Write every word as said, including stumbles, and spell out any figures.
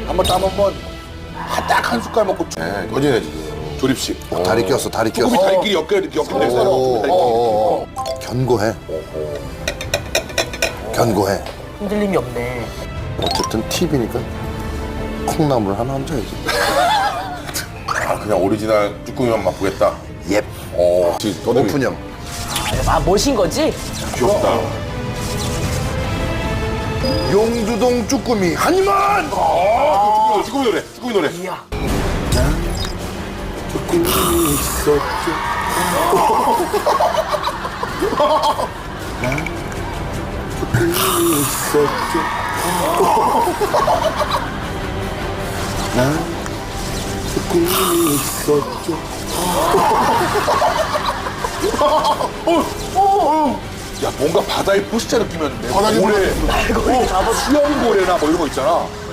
한번 땀 한번 딱 한 숟갈 먹고 쭉. 네, 꺼지네 지금. 조립식. 어, 다리 꼈어, 다리 꼈어. 조금이 다리끼리 엮여 이렇게 엮여 있어요. 오, 다리끼리. 오, 오. 견고해. 견고해. 흔들림이 없네. 어쨌든 팁이니까 콩나물 하나 얹어야지. 아 그냥 오리지널 쭈꾸미만 맛보겠다. 옙. 어, 지금 더듬이 오픈형. 아, 멋인 거지? 귀엽다. 용두동 쭈꾸미 한 입만! 아, 쭈꾸미 노래, 쭈꾸미 노래. 이야. 쭈꾸미 있었죠. 난 쭈꾸미 있었죠. 난 쭈꾸미 있었죠. 야 뭔가 바다의 포시자 느낌이었는데. 바다의 고래, 어, 수영고래나 뭐 이런 거 있잖아.